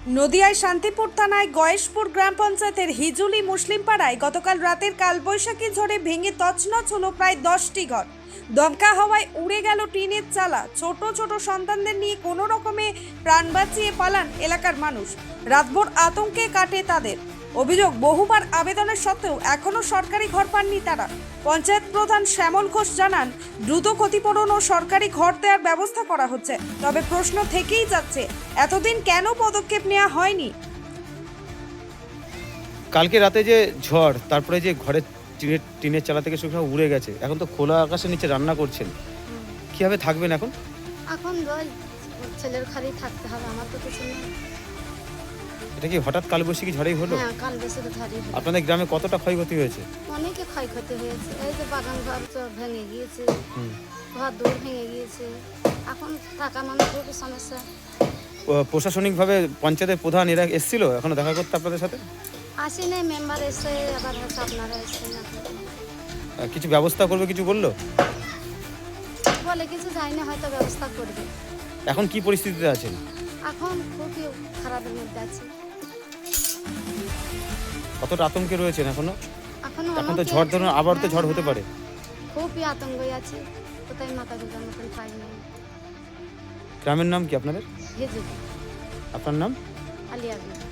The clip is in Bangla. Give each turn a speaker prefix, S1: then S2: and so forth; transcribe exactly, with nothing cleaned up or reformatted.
S1: নদিয়ায় শান্তিপুর থানায় গয়েশপুর গ্রাম পঞ্চায়েতের হিজুলি মুসলিম পাড়ায় গতকাল রাতের কালবৈশাখী ঝড়ে ভেঙে তছনছ হলো প্রায় দশটি ঘর। দমকা হাওয়ায় উড়ে গেল টিনের চালা। ছোট ছোট সন্তানদের নিয়ে কোনো রকমে প্রাণ বাঁচিয়ে পালান এলাকার মানুষ। রাতভর আতঙ্কে কাটে তাদের। অভিযোগ, বহুবার আবেদনের সত্ত্বেও এখনও সরকারি ঘর পাননি তারা। পঞ্চায়েত প্রধান শ্যামল ঘোষ জানান, দ্রুত ক্ষতিপূরণ ও সরকারি ঘর দেওয়ার ব্যবস্থা করা হচ্ছে। তবে প্রশ্ন থেকেই যাচ্ছে, এতদিন কেন পদক্ষেপ নেওয়া হয়নি।
S2: কালকে রাতে যে ঝড়, তারপরে যে ঘরের টিনের টিনের চালা থেকে সব উড়ে গেছে, এখন তো খোলা আকাশের নিচে রান্না করছেন, কিভাবে থাকবেন এখন?
S3: এখন ওই ছেলের ঘরেই থাকতে হবে, আমার তো কিছু নেই।
S2: এটা কি হঠাৎ কালবৈশাখী ঝড়েই হলো?
S3: হ্যাঁ, কাল বেশি তো ঝড়ই হলো।
S2: আপনাদের গ্রামে কতটা ক্ষয়ক্ষতি হয়েছে?
S3: অনেকে ক্ষয়ক্ষতি হয়েছে। এই যে বাগান ঘর তো ভেঙে গিয়েছে,
S2: হুম।
S3: ঘর দৌড় ভেঙে গিয়েছে। এখন থাকা মানুষ খুবই সমস্যা।
S2: প- প্রশাসনিকভাবে পঞ্চায়েতের প্রধান এরা এসেছিল এখনো দেখা করতে আপনাদের সাথে?
S3: আসি নেই, মেম্বার এসে আবার হয়তো আপনারা এসছেন না।
S2: আহ, কিছু ব্যবস্থা করবে কিছু বললো?
S3: বলে কিছু যায় না, হয়তো ব্যবস্থা করবে।
S2: এখন কি পরিস্থিতিতে আছেন?
S3: এখন খুবই খারাপের মধ্যে আছে।
S2: কতটা আতঙ্কে রয়েছেন এখনো?
S3: এখন
S2: এখন তো ঝড় ধরুন, আবার তো ঝড় হতে পারে।
S3: খুবই আতঙ্কে আছে, কোথায় মাথা গোজার মতন পাই নেই।
S2: গ্রামের নাম কি আপনাদের?
S3: হেজুলি
S2: আপনার নাম?
S3: আলিয়া বিবি।